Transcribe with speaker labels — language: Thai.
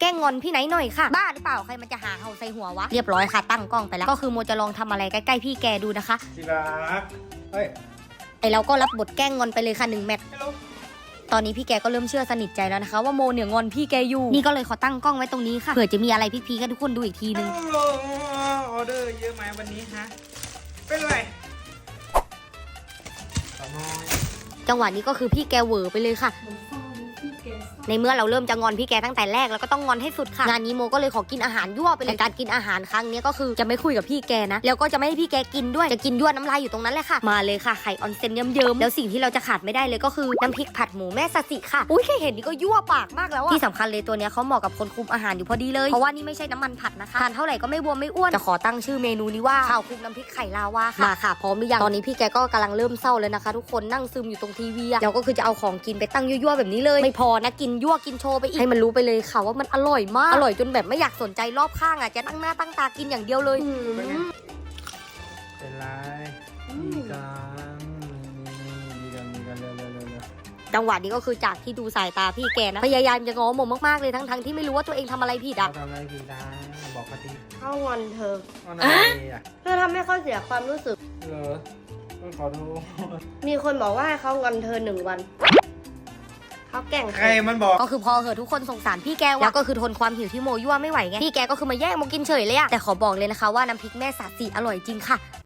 Speaker 1: ล้งงอนพี่ไหนหน่อยค่ะบ้าหรือเปล่าใครมันจะหาเห่าใส่หัววะเรียบร้อยค่ะตั้งกล้องไปแล้วก็คือโมจะลองทำอะไรใกล้ๆพี่แกดูนะคะ
Speaker 2: ที่รักเฮ้ย
Speaker 1: ไอเราก็รับบทแกล้งงอนไปเลยค่ะ1 แมตช์
Speaker 2: ฮัลโหล
Speaker 1: ตอนนี้พี่แกก็เริ่มเชื่อสนิทใจแล้วนะคะว่าโมเนี่ยงอนพี่แกอยู่นี่ก็เลยขอตั้งกล้องไว้ตรงนี้ค่ะเผื่อจะมีอะไรพีคๆให้ทุกคนดูอีกทีนึง
Speaker 2: ออเดอร์เยอะไหมวันนี้ฮะเป็นไรต่อน้อย
Speaker 1: จังหวะนี้ก็คือพี่แกเหวอไปเลยค่ะในเมื่อเราเริ่มจะงอนพี่แกตั้งแต่แรกแล้วก็ต้องงอนให้สุดค่ะงานนี้โมก็เลยขอกินอาหารยั่วไปเลยการกินอาหารครั้งนี้ก็คือจะไม่คุยกับพี่แกนะแล้วก็จะไม่ให้พี่แกกินด้วยจะกินยั่วน้ำลายอยู่ตรงนั้นแหละค่ะมาเลยค่ะไข่ออนเซนเยิ้มๆแล้วสิ่งที่เราจะขาดไม่ได้เลยก็คือน้ำพริกผัดหมูแม่ซาซิค่ะอุ้ยแค่เห็นนี่ก็ยั่วปากมากแล้วอะที่สำคัญเลยตัวเนี้ยเขาเหมาะกับคนคุมอาหารอยู่พอดีเลยเพราะว่านี่ไม่ใช่น้ำมันผัดนะคะทานเท่าไหร่ก็ไม่บวมไม่อ้วนจะขอตั้งชื่อเมนูนี้ว่าข้าวคลุกน้ำพริกไข่ลาวาค่ะมาค่ะพร้อมหรือยังตอนนี้พี่แกก็กำลังเริ่มเศร้าเลยนะคะทุกคนนั่งซึมอยู่ตรงทีวีแล้วก็คือจะเอาของกินไปตั้งยั่วๆแบบนี้เลยไม่พอนะกินยั่วกินโชว์ไปอีกให้มันรู้ไปเลยค่ะว่ามันอร่อยมากอร่อยจนแบบไม่อยากสนใจรอบข้างอ่ะจะตั้งหน้าตั้งตากินอย่างเดียวเลย
Speaker 2: เป็นไรดีกันดีกันเร็ว
Speaker 1: จังหวะนี้ก็คือจากที่ดูสายตาพี่แกนะพยายามจะง้อโมมากๆเลยทั้งที่ไม่รู้ว่าตัวเองทำอะไรผิด
Speaker 2: เรา
Speaker 1: อ่ะ
Speaker 2: ทำอะไรผิดนะบอกปฏิ
Speaker 3: เขางอนเธอ
Speaker 2: วันอะไรอ่ะ
Speaker 3: เธอทำให้เขาเสียความรู้สึก
Speaker 2: เหรอต้องขอโทษ
Speaker 3: มีคนบอกว่าให้เขางอนเธอ1 วันเขาแกล้งเธ
Speaker 2: ใคร
Speaker 3: อ
Speaker 2: มันบอก
Speaker 1: ก็คือพอเหอะทุกคนสงสารพี่แกว่ะแล้วก็คือทนความหิวที่โมยั่วไม่ไหวไงพี่แกก็คือมาแย่งโมกินเฉยเลยอะแต่ขอบอกเลยนะคะว่าน้ำพริกแม่สาสีอร่อยจริงค่ะ